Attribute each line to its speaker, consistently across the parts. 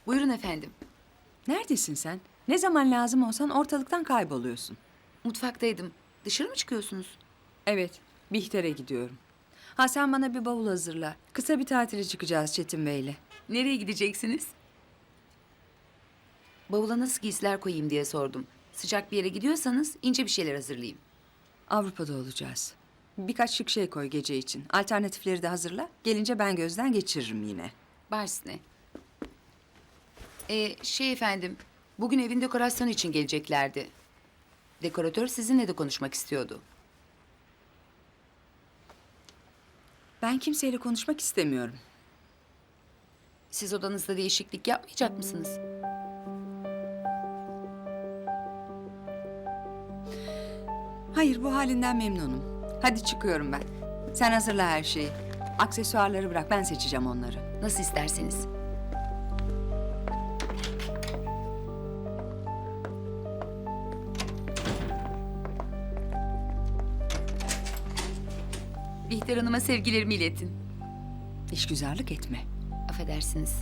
Speaker 1: Buyurun efendim.
Speaker 2: Neredesin sen? Ne zaman lazım olsan ortalıktan kayboluyorsun.
Speaker 1: Mutfaktaydım. Dışarı mı çıkıyorsunuz?
Speaker 2: Evet, Bihter'e gidiyorum. Ha sen bana bir bavul hazırla. Kısa bir tatile çıkacağız Çetin Bey'le.
Speaker 1: Nereye gideceksiniz? Bavula nasıl giysiler koyayım diye sordum. Sıcak bir yere gidiyorsanız ince bir şeyler hazırlayayım.
Speaker 2: Avrupa'da olacağız. Birkaç şık şey koy gece için. Alternatifleri de hazırla. Gelince ben gözden geçiririm yine.
Speaker 1: Baş üstüne. Efendim, bugün evin dekorasyonu için geleceklerdi. Dekoratör sizinle de konuşmak istiyordu.
Speaker 2: Ben kimseyle konuşmak istemiyorum.
Speaker 1: Siz odanızda değişiklik yapmayacak mısınız?
Speaker 2: Hayır, bu halinden memnunum. Hadi çıkıyorum ben. Sen hazırla her şeyi. Aksesuarları bırak, ben seçeceğim onları.
Speaker 1: Nasıl isterseniz. Bihter Hanım'a sevgilerimi iletin.
Speaker 2: İşgüzarlık etme.
Speaker 1: Affedersiniz.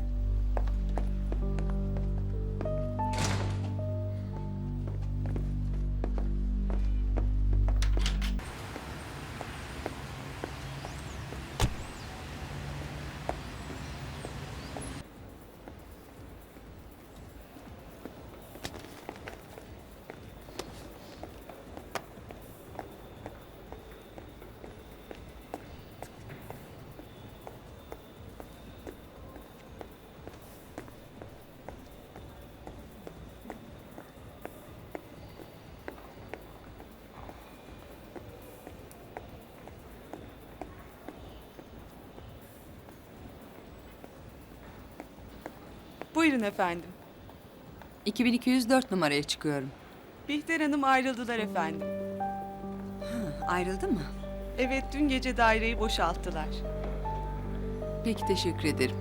Speaker 3: Buyurun efendim.
Speaker 2: 2204 numaraya çıkıyorum.
Speaker 3: Bihter Hanım ayrıldılar efendim.
Speaker 2: Ayrıldı mı?
Speaker 3: Evet, dün gece daireyi boşalttılar.
Speaker 2: Peki, teşekkür ederim.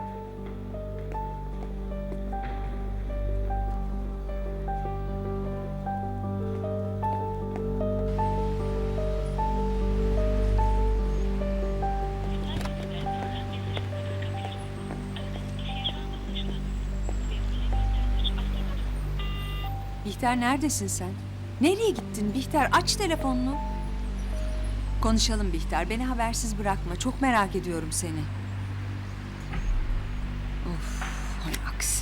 Speaker 2: Bihter, neredesin sen? Nereye gittin Bihter? Aç telefonunu. Konuşalım Bihter. Beni habersiz bırakma. Çok merak ediyorum seni. Of, hay aksi.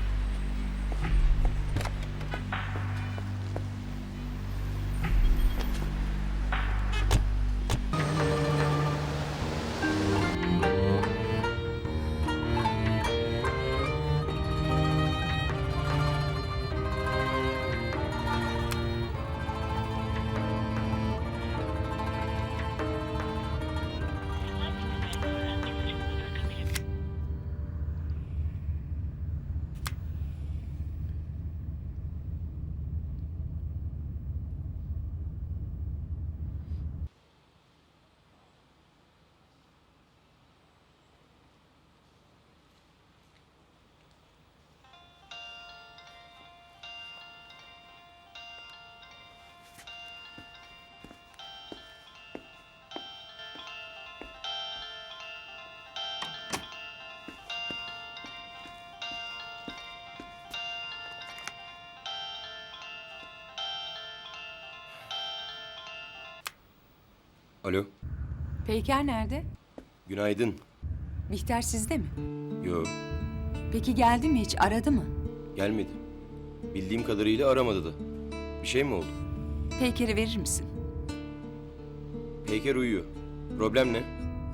Speaker 4: Alo,
Speaker 2: Peyker nerede?
Speaker 4: günaydın.
Speaker 2: Bihter sizde mi?
Speaker 4: Yo,
Speaker 2: Peki geldi mi hiç? Aradı mı?
Speaker 4: gelmedi. Bildiğim kadarıyla aramadı da. Bir şey mi oldu?
Speaker 2: Peyker'i verir misin?
Speaker 4: Peyker uyuyor. Problem ne?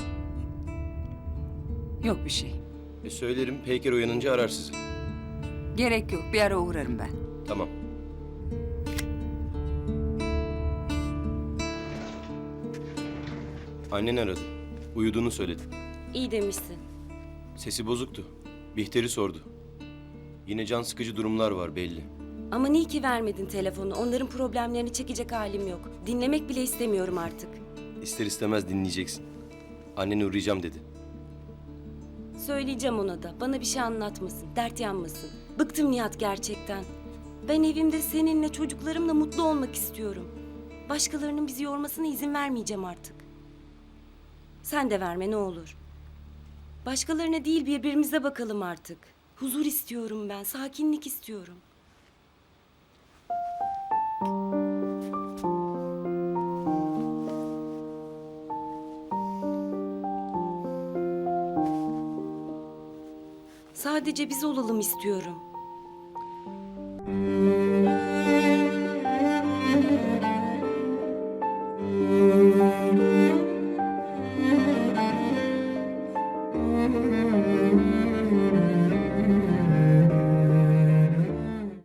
Speaker 2: Yok bir şey.
Speaker 4: Söylerim, Peyker uyanınca arar sizi.
Speaker 2: Gerek yok. Bir ara uğrarım ben.
Speaker 4: Tamam. Annen aradı. Uyuduğunu söyledi.
Speaker 5: İyi demişsin.
Speaker 4: Sesi bozuktu. Bihter'i sordu. Yine can sıkıcı durumlar var belli.
Speaker 5: Ama niye ki vermedin telefonu? Onların problemlerini çekecek halim yok. Dinlemek bile istemiyorum artık.
Speaker 4: İster istemez dinleyeceksin. Anneni uğrayacağım dedi.
Speaker 5: Söyleyeceğim ona da. Bana bir şey anlatmasın, dert yanmasın. Bıktım Nihat gerçekten. Ben evimde seninle, çocuklarımla mutlu olmak istiyorum. Başkalarının bizi yormasına izin vermeyeceğim artık. Sen de verme ne olur. Başkalarına değil birbirimize bakalım artık. Huzur istiyorum ben, sakinlik istiyorum. Sadece biz olalım istiyorum.